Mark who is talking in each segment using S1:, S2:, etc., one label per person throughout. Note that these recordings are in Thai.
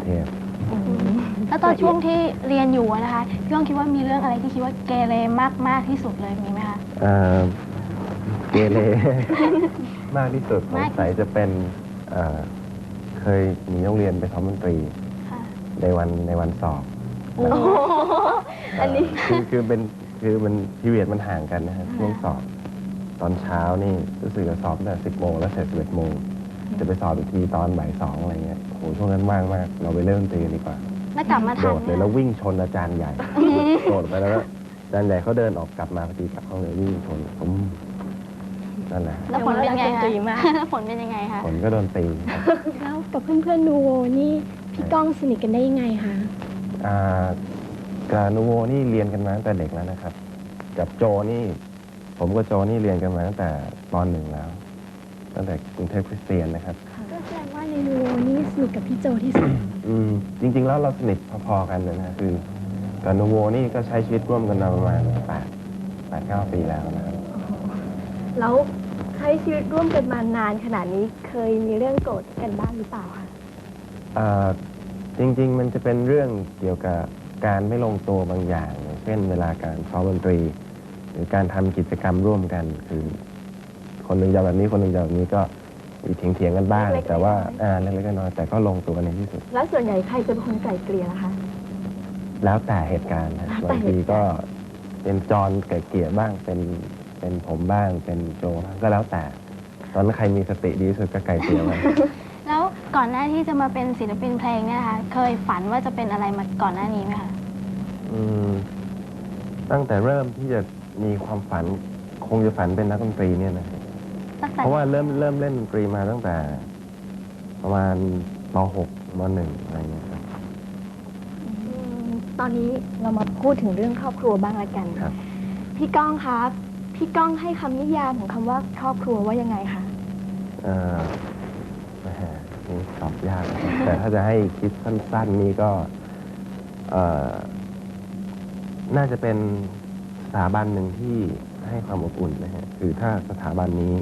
S1: พ
S2: แล้วตอนช่วงที่เรียนอยู่นะคะพี่ก้องคิดว่ามีเรื่องอะไรที่คิดว่าเกเรมากที่สุดเลยมีไหมคะ
S1: เกเร มากที่สุดสงสัยจะเป็นเคยหนีโรงเรียนไปซ้อมดนตรีในวันสอบอันนี้คือมันพีเรียดมันห่างกันนะครับช่วงสอบตอนเช้านี่รู้สึกจะสอบตั้งแต่10 โมงแล้วเสร็จ11 โมงจะไปสอบอีกทีตอนบ่าย 2อะไรเงี้ยโหช่วงนั้นว่างมากเราไปเล่นดนตรีดีกว่า
S2: แล้วกลับมาทัน
S1: โดดเลยแล้ววิ่งชนอาจารย์ใหญ่โดดไปแล้วอาจารย์ใหญ่เขาเดินออกกลับมาพอดีกลับห้องเลยวิ่งชนผมนั่นแหละ
S2: แล้วผลเป็นยังไงคะแล้วผลเป็นยังไงคะ
S1: ผลก็โดนตี
S3: แล้วกับเพื่อนๆนูโวนี่พี่ก้องสนิทกันได้ยังไงคะ
S1: กับนูโวนี่เรียนกันมาตั้งแต่เด็กแล้วนะครับกับโจนี่ผมกับโจนี่เรียนกันมาตั้งแต่ป .1 แล้วตั้งแต่กรุงเทพคริสเตียนนะครับ
S3: ก็แสดงว่าในนูโวนี่สนิทกับพี่โจที่สุด
S1: จริงๆแล้วเราสนิทพอๆกันเลยนะคือกับนูโวนี่ก็ใช้ชีวิตร่วมกันมาประมาณ8-9 ปีแล้วนะครับ
S3: แล้วใช้ชีวิตร่วมกันมานานขนาดนี้เคยมีเรื่องโกรธกันบ้างหรือเปล่าคะ
S1: จริงๆมันจะเป็นเรื่องเกี่ยวกับการไม่ลงตัวบางอย่างเช่นเวลาการซ้อมดนตรีหรือการทำกิจกรรมร่วมกันคือคนหนึ่งจะแบบนี้คนหนึ่งจะแบบนี้ก็มีเถียงกันบ้างแต่ว่าเล็กๆน้อยๆแต่ก็ลงตัวกันในที่สุด
S3: แล้วส่วนใหญ่ใครจะเป็นคนไกล่เกลี่ยล่ะคะ
S1: แล้วแต่เหตุการณ์นะบางทีก็เป็นจอนไกล่เกลี่ยบ้างเป็นผมบ้างเป็นโจก็แล้วแต่ตอนนั้นใครมีสติดีที่สุดก็ไกล่เกลี่ยไป
S2: แล้วก่อนหน้าที่จะมาเป็นศิลปินเพลงเนี่ยนะคะเคยฝันว่าจะเป็นอะไรมาก่อนหน้านี้ไหมคะ
S1: ตั้งแต่เริ่มที่จะมีความฝันคงจะฝันเป็นนักดนตรีเนี่ยนะเพราะว่าเริ่มเล่นดนตรีมาตั้งแต่ประมาณม .6 ม .1 อะไรเงี้ยครับ
S3: ตอนนี้เรามาพูดถึงเรื่องครอบครัวบ้างละกัน
S1: ครับ
S3: พี่ก้องครับพี่ก้องให้คำนิยามของคำว่าครอบครัวว่ายังไงคะ
S1: นี่ตอบยากแต่ถ้าจะให้คิดสั้นๆนี่ก็น่าจะเป็นสถาบันหนึ่งที่ให้ความอบอุ่นนะฮะคือถ้าสถาบันนี้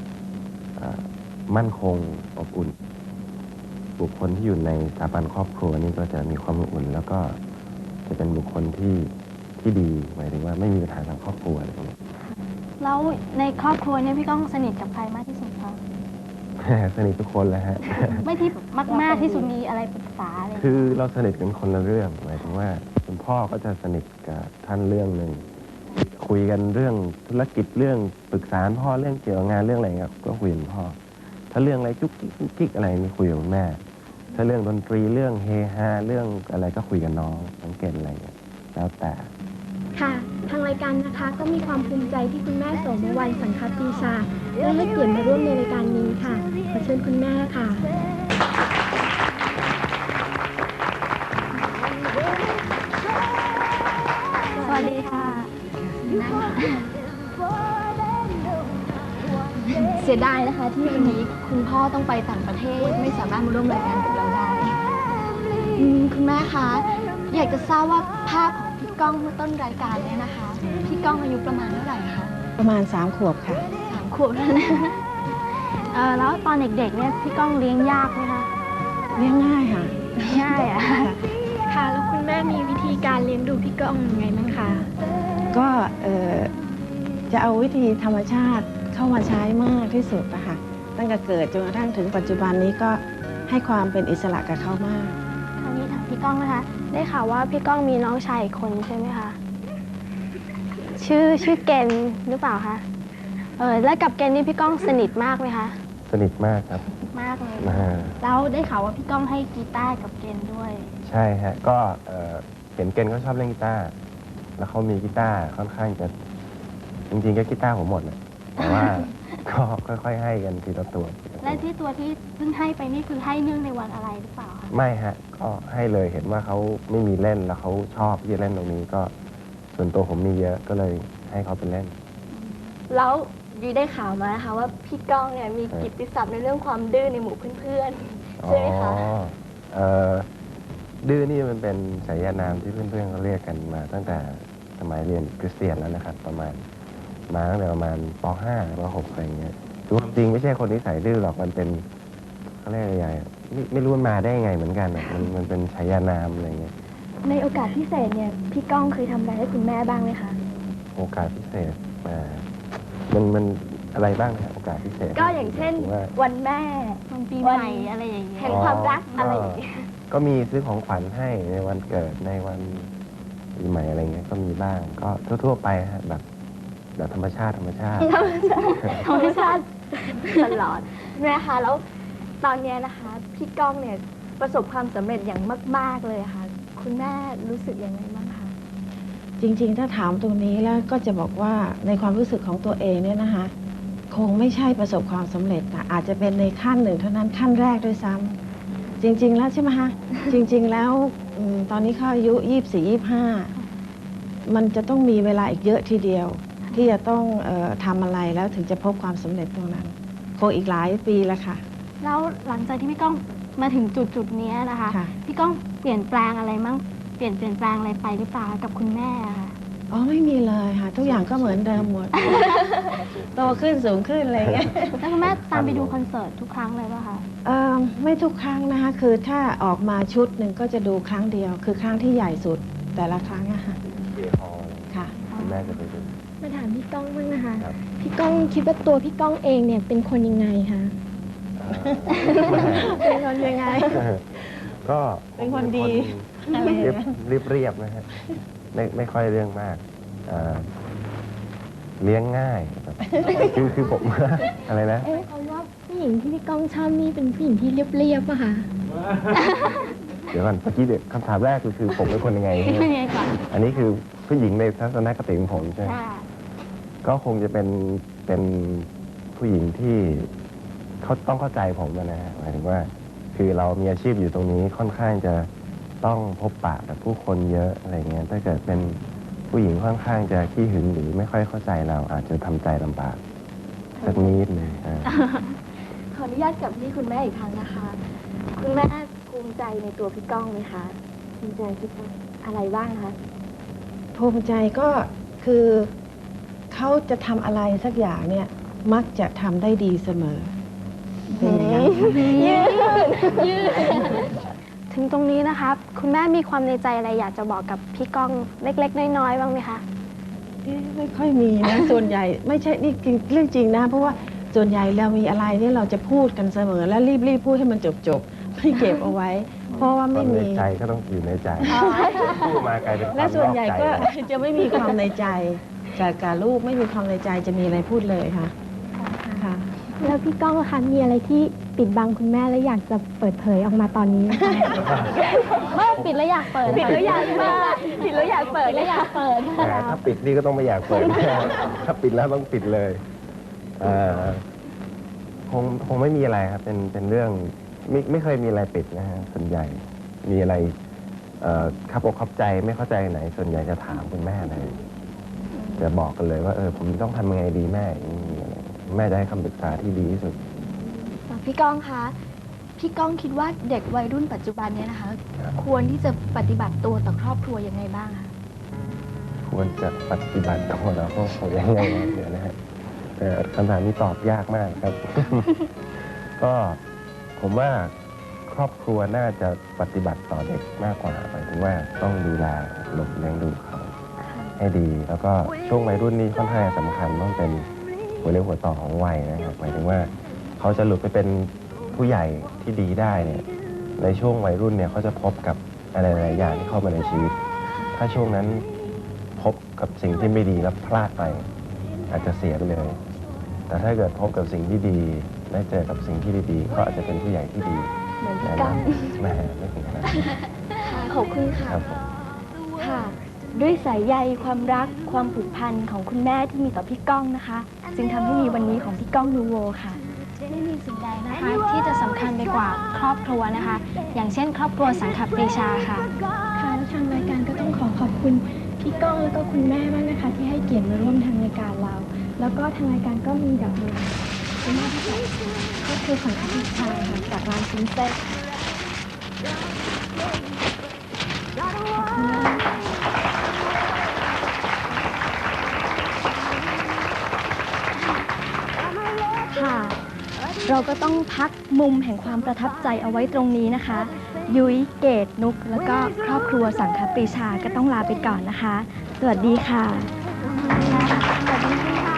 S1: มั่นคงอบอุ่นบุคคลที่อยู่ในสถาบันครอบครัวนี่ก็จะมีความอบอุ่นแล้วก็จะเป็นบุคคลที่ดีหมายถึงว่าไม่มีปัญหาทางครอบครัวอะไรอย่างเงี้ย
S2: แล้วในครอบครัวเนี่ยพี่ก้องสนิทกับใครมากที่สุดคะ
S1: สนิททุกคนเลยฮะ
S2: ไม่ที่มากที่สุดมีอะไรปรึกษาอะไร
S1: คือเราสนิทกันคนละเรื่องหมายถึงว่าคุณพ่อก็จะสนิทกับท่านเรื่องหนึ่งคุยกันเรื่องธุรกิจเรื่องปรึกษาพ่อเรื่องเกี่ยวกับงานเรื่องอะไรครับก็คุยกับพ่อถ้าเรื่องอะไรจุกจิกอะไรนี่คุยกับแม่ถ้าเรื่องดนตรีเรื่องเฮฮาเรื่องอะไรก็คุยกับน้องสังเกตอะไรแล้วแต่
S3: ค่ะทางรายการนะคะก็มีความภูมิใจที่คุณแม่โสมวรรณสังคปีชาได้ให้เกียรติมาร่วมในรายการนี้ค่ะขอเชิญคุณแม่ค่ะ
S2: สวัสดีค่ะ
S3: เสียดายนะคะที่วันนี้คุณพ่อต้องไปต่างประเทศไม่สามารถมาร่วมรายการกับเราได้คุณแม่คะอยากจะทราบว่าภาพของพี่ก้องเมื่อต้นรายการเนี่ยนะคะพี่ก้องอายุประมาณเท่าไหร่คะ
S4: ประมาณ3 ขวบค่ะ
S2: 3 ขวบแล้วนะแล้วตอนเด็กๆเนี่ยพี่ก้องเลี้ยงยากไหมคะ
S4: เลี้ยงง่ายค่ะ
S2: ง่ายอ่ะ
S3: ค่ะแล้วคุณแม่มีวิธีการเลี้ยงดูพี่ก้องยังไงบ้างคะ
S4: ก็จะเอาวิธีธรรมชาติเข้ามาใช้มากที่สุดนะคะตั้งแต่เกิดจนกระทั่งถึงปัจจุบันนี้ก็ให้ความเป็นอิสระกับเขามาก
S2: คราวนี้ถามพี่ก้องนะคะได้ข่าวว่าพี่ก้องมีน้องชายอีกคนใช่ไหมคะชื่อเกณฑ์หรือเปล่าคะแล้วกับเกณฑ์นี่พี่ก้องสนิทมากไหมคะ
S1: สนิทมากครับ
S2: มากเลยแล้วได้ข่าวว่าพี่ก้องให้กีตาร์กับเกณฑ์ด้วย
S1: ใช่ฮะก็เห็นเกณฑ์เขาชอบเล่นกีตาร์แล้วเขามีกีตาร์ค่อนข้างจะจริงๆก็กีตาร์ผมหมดนะแต่ว่าก็ค่อยๆให้กันทีละตัว
S2: และที่ตัวที่เพิ่งให้ไปนี่คือให้เนื่องในวันอะไรหรือเปล่าคะ
S1: ไม่ฮะก็ให้เลยเห็นว่าเขาไม่มีเล่นแล้วเขาชอบที่จะเล่นตรงนี้ก็ส่วนตัวผมมีเยอะก็เลยให้เขาไปเล่น
S3: แล้วยุ้ยได้ข่าวมานะคะว่าพี่ก้องเนี่ยมีกิตติศัพท์ในเรื่องความดื้อในหมู่เพื่อนๆใช่ไหมคะ
S1: ดื้อนี่มันเป็นฉายานามที่เพื่อนๆเขาเรียกกันมาตั้งแต่สมัยเรียนคริสเตียนแล้วนะครับประมาณป .5 ป .6 อะไรเงี้ยคือจริงไม่ใช่คนนิสัยดื้อหรอกมันเป็นเขาเรียกอะไรไม่รู้มันมาได้ยังไงเหมือนกันอะมันเป็นฉายานามอะไรเงี้ย
S3: ในโอกาสพิเศษเนี่ยพี่ก้องเคยทำอะไรให้คุณแม่บ้างไหมคะ
S1: โอกาสพิเศษมันอะไรบ้างนะโอกาสพิเศษ
S3: ก็อย่างเช่น
S1: ผมว่า
S3: วันแม่
S2: วันปีใหม่อะไรอย่างเงี้ย
S3: แห่งความรักอะไรอย่างเงี้ย
S1: ก็มีซื้อของขวัญให้ในวันเกิดในวันปีใหม่อะไรเงี้ยก็มีบ้างก็ทั่วๆไปฮะแบบธรรมชาติ
S3: ธรรมชาติตลอดนะคะแล้วตอนเนี้ยนะคะพี่ก้องเนี่ยประสบความสำเร็จอย่างมาก ๆเลยค่ะ คุณแม่รู้สึกยังไงบ้างคะ
S4: จริงๆ ถ้าถามตรงนี้แล้วก็จะบอกว่าในความรู้สึกของตัวเองเนี่ยนะคะ คงไม่ใช่ประสบความสำเร็จนะอาจจะเป็นในขั้นหนึ่งเท่านั้นขั้นแรกด้วยซ้ำจริง ๆ แล้วใช่ไหมคะจริง ๆ แล้วตอนนี้เขาอายุ24-25มันจะต้องมีเวลาอีกเยอะทีเดียว ที่จะต้องทำอะไรแล้วถึงจะพบความสำเร็จตรงนั้นคงอีกหลายปีแล้วค่ะ
S2: แล้วหลังจากที่พี่ก้องมาถึงจุดนี้นะคะ
S4: ค่ะ
S2: พี่ก้องเปลี่ยนแปลงอะไรมั่งเปลี่ยนแปลงอะไรไปหรือเปล่ากับคุณแม่อะค่ะ
S4: อ๋อไม่มีเลยค่ะ ทุกอย่างก็เหมือนเดิมหมด โตขึ้นสูงขึ้นอะไรอย่างเงี้ย
S2: แล้วคุณแม่ตามไปดูคอนเสิร์ตทุกครั้งเลยป่ะคะ
S4: ไม่ทุกครั้งนะคะ คือถ้าออกมาชุดหนึ่งก็จะดูครั้งเดียว คือครั้งที่ใหญ่สุดแต่ละครั้งอะค่ะ
S1: เบียร์ฮอล
S4: ค่ะ
S1: คุณแม่จะไปดู
S3: มาถามพี่ก้องบ้างนะคะ
S1: ครับ
S3: พี่ก้องคิดว่าตัวพี่ก้องเองเนี่ยเป็นคนยังไงคะ เป็นคนยังไง
S1: ก็
S4: เป็นคนดี
S1: เรียบนะฮะไม่ค่อยเรื่องมากเลี้ยงง่ายแบบคือผม อะไรนะ
S3: เอ๊ะเขาว่าผู้หญิงที่พี่ก้องชอบนี่เป็นผู้หญิงที่เรียบๆป่ะคะ
S1: เดี๋ยวก่อนเมื่อกี้คำถามแรกคือผมเป็นคนยังไง
S2: พี่เป็นยังไงก่อน
S1: อันนี้คือผู้หญิงในทัศนคติของผมใช่ไหม
S2: ค่ะ
S1: ก็คงจะเป็นผู้หญิงที่เขาต้องเข้าใจผมนะฮะหมายถึงว่า คือเรามีอาชีพอยู่ตรงนี้ค่อนข้างจะต้องพบปะกับผู้คนเยอะอะไรเงี้ยถ้าเกิดเป็นผู้หญิงค่อนข้างจะขี้หึงหรือไม่ค่อยเข้าใจเราอาจจะทำใจลำบากสักนิดหนึง
S3: ขออนุญาตกลับที่คุณแม่อีกครั้งนะคะ คุณแม่ภูมิใจในตัวพี่ก้องไหมคะภูมิใจคิดว่าอะไรบ้างคะ
S4: ภูมิใจก็คือเขาจะทำอะไรสักอย่างเนี่ยมักจะทำได้ดีเสมอเป็นอย่างนั้นค่ะ
S2: ถึงตรงนี้นะคะคุณแม่มีความในใจอะไรอยากจะบอกกับพี่ก้องเล็กๆน้อยๆบ้างไหมคะ
S4: ไม่ค่อยมีนะ ส่วนใหญ่ไม่ใช่นี่จริงเรื่องจริงนะ เพราะว่าส่วนใหญ่เรามีอะไรเนี่ยเราจะพูดกันเสมอ แล้วรีบพูดให้มันจบไม่เก็บเอาไว้ เพราะว่า
S1: ตอ
S4: ไม่
S1: นใน
S4: มี
S1: ใจก็ต้องอยู่ในใจพูดมากลายเป็นความ
S4: และส่วนใหญ่ก็
S1: นอกใจ
S4: จะไม่มีความในใจจากการลูกไม่มีความในใจจะมีอะไรพูดเลยค่ะค่ะ
S3: แล้วพี่ก้องคะมีอะไรที่ปิดบังคุณแม่และอยากจะเปิดเผยออกมาตอนนี้ไหมคะ
S2: ไม่ปิดแล้วอยากเปิด
S3: ปิดแล้วอยากเปิดปิดแล้วอยากเปิด
S2: ปิดแล้วอยากเปิด
S1: แหมถ้าปิดนี่ก็ต้องไม่อยากเปิด ถ้าปิดแล้วต้องปิดเลยคงไม่มีอะไรครับ เป็นเรื่องไม่เคยมีอะไรปิดนะฮะส่วนใหญ่มีอะไรขับอกขับใจไม่เข้าใจไหน ส่วนใหญ่จะถามคุณแม่เลยจะบอกกันเลยว่าผมต้องทำยังไงดีแม่อย่างนี้อะไรแม่จะให้คำปรึกษาที่ดีที่สุด
S3: พี่ก้องคะพี่ก้องคิดว่าเด็กวัยรุ่นปัจจุบันเนี่ยนะคะ ควรที่จะปฏิบัติตัวต่อครอบครัวยังไงบ้างคะ
S1: ควรจะปฏิบัติตัวแล้วก็คงยังไงนะเดี๋ยวนะฮะคำถามนี้ตอบยากมากครับ ก็ผมว่าครอบครัวน่าจะปฏิบัติต่อเด็กมากกว่าหมายถึงว่าต้องดูแลหลบเลี้ยงดูเขาให้ดี แล้วก็ช่วงวัยรุ่นนี้ค่อนข้างสำคัญต้องเป็นหัวเรี่ยวหัวต่อของวัยนะครับหมายถึงว่าเขาจะหลุดไปเป็นผู้ใหญ่ที่ดีได้เนี่ยในช่วงวัยรุ่นเนี่ยเขาจะพบกับอะไรหลายอย่างที่เข้ามาในชีวิต ถ้าช่วงนั้นพบกับสิ่งที่ไม่ดีแล้วพลาดไป อาจจะเสียไปเลย แต่ถ้าเกิดพบกับสิ่งที่ดีได้เจอกับสิ่งที่ดีๆก็อาจจะเป็นผู้ใหญ่ที่ดี
S3: เหมือนพี่ก้อง
S1: แหม่ไม่ถึงขนาดนั้น
S3: ขอบคุณค่ะ
S1: ครับผม
S3: ค่ะ ด้วยสายใยความรักความผูกพันของคุณแม่ที่มีต่อพี่ก้องนะคะ จึงทำให้มีวันนี้ของพี่ก้องนูโวค่ะ
S2: ไม่มีสิ่งใดนะคะที่จะสำคัญไปกว่าครอบครัวนะคะ อย่างเช่น ครอบครัวสังขปรีชาค่ะ
S3: ค่ะและทางรายการก็ต้องขอบคุณพี่ก้องแล้วก็คุณแม่มากนะคะ ที่ให้เกียรติมาร่วมทางรายการเรา แล้วก็ทางรายการก็มีดอกไม้คุณแม่ที่จากครอบครัวสังขปรีชาค่ะจากร้านซินเซ็ตค่ะ รเราก็ต้องพักมุมแห่งความประทับใจเอาไว้ตรงนี้นะคะ ยุ้ยเกตนุกแล้วก็ครอบครัวสังคปรีชาก็ต้องลาไปก่อนนะคะ สวัสดีค่ะ
S2: สวัสดีค่ะ